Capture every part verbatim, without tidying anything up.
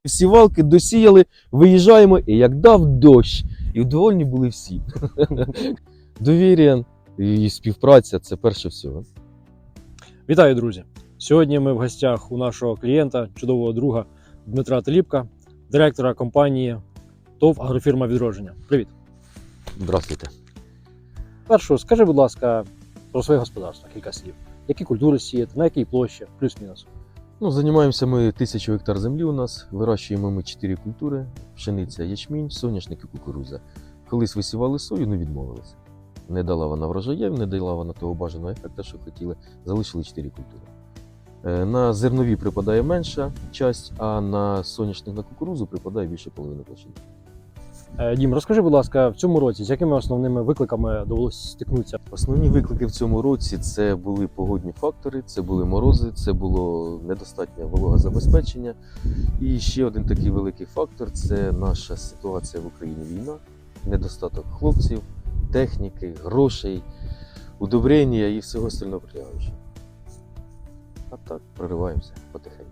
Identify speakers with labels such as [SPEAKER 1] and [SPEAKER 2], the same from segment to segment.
[SPEAKER 1] Сівалки досіяли, виїжджаємо, і як дав дощ. І вдовольні були всі. Довір'я і співпраця – це перше всього.
[SPEAKER 2] Вітаю, друзі! Сьогодні ми в гостях у нашого клієнта, чудового друга Дмитра Теліпка, директора компанії ТОВ «Агрофірма Відродження». Привіт!
[SPEAKER 1] Здравствуйте.
[SPEAKER 2] Першу, скажи, будь ласка, про своє господарство, кілька слів. Які культури сіяти, на якій площі, плюс-мінус?
[SPEAKER 1] Ну, займаємося ми тисячу гектар землі у нас, вирощуємо ми чотири культури – пшениця, ячмінь, соняшник і кукурудза. Колись висівали сою, не відмовилися. Не дала вона врожаїв, не дала вона того бажаного ефекту, що хотіли, залишили чотири культури. На зернові припадає менша часть, а на соняшник, на кукурудзу припадає більше половини площини.
[SPEAKER 2] Дім, розкажи, будь ласка, в цьому році з якими основними викликами довелося стикнутися?
[SPEAKER 1] Основні виклики в цьому році – це були погодні фактори, це були морози, це було недостатнє вологозабезпечення. І ще один такий великий фактор – це наша ситуація в Україні – війна, недостаток хлопців, техніки, грошей, удобрення і всього остального прилягаючого. А так, прориваємося потихеньку.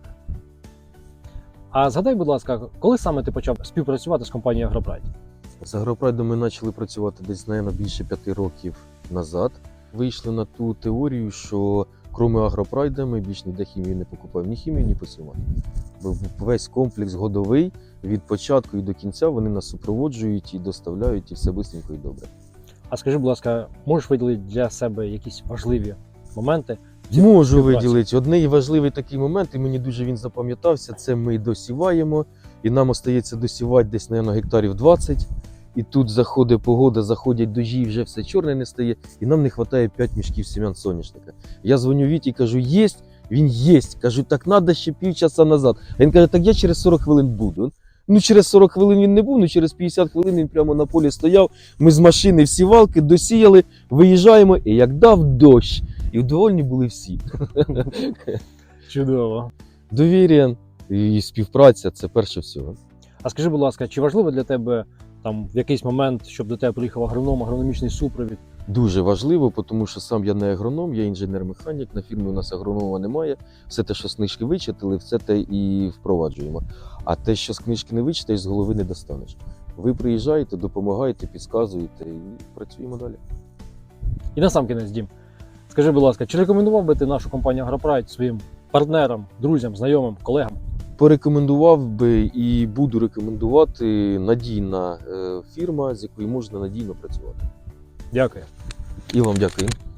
[SPEAKER 2] А згадай, будь ласка, коли саме ти почав співпрацювати з компанією «Агропрайд»?
[SPEAKER 1] З «Агропрайдом» ми почали працювати десь, мабуть, більше п'яти років назад. Вийшли на ту теорію, що крім «Агропрайда» ми більш ніде хімію не покупаємо, ні хімію, ні посівати. Бо весь комплекс годовий, від початку і до кінця вони нас супроводжують і доставляють, і все швидко і добре.
[SPEAKER 2] А скажи, будь ласка, можеш виділити для себе якісь важливі моменти?
[SPEAKER 1] Можу виділити. Одний важливий такий момент, і мені дуже він запам'ятався, це ми досіваємо, і нам остається досівати десь, мабуть, гектарів двадцять. І тут заходить погода, заходять дожі, і вже все чорне не стає, і нам не вистачає п'ять мішків сім'ян соняшника. Я дзвоню Віті і кажу, єсть, він єсть. Кажу, так треба ще півчаса назад. А він каже, так я через сорок хвилин буду. Ну, через сорок хвилин він не був, ну через п'ятдесят хвилин він прямо на полі стояв. Ми з машини в сівалки досіяли, виїжджаємо, і як дав дощ. І вдовольні були всі.
[SPEAKER 2] Чудово.
[SPEAKER 1] Довір'я і співпраця – це перше всього.
[SPEAKER 2] А скажи, будь ласка, чи важливо для тебе там в якийсь момент, щоб до тебе приїхав агроном, агрономічний супровід?
[SPEAKER 1] Дуже важливо, тому що сам я не агроном, я інженер-механік, на фірмі у нас агронома немає. Все те, що з книжки вичитали, все те і впроваджуємо. А те, що з книжки не вичитаєш, з голови не достанеш. Ви приїжджаєте, допомагаєте, підказуєте і працюємо далі.
[SPEAKER 2] І насамкінець, Дім, скажи, будь ласка, чи рекомендував би ти нашу компанію «Агропрайд» своїм партнерам, друзям, знайомим, колегам?
[SPEAKER 1] Порекомендував би і буду рекомендувати надійна фірма, з якою можна надійно працювати.
[SPEAKER 2] Дякую.
[SPEAKER 1] І вам дякую.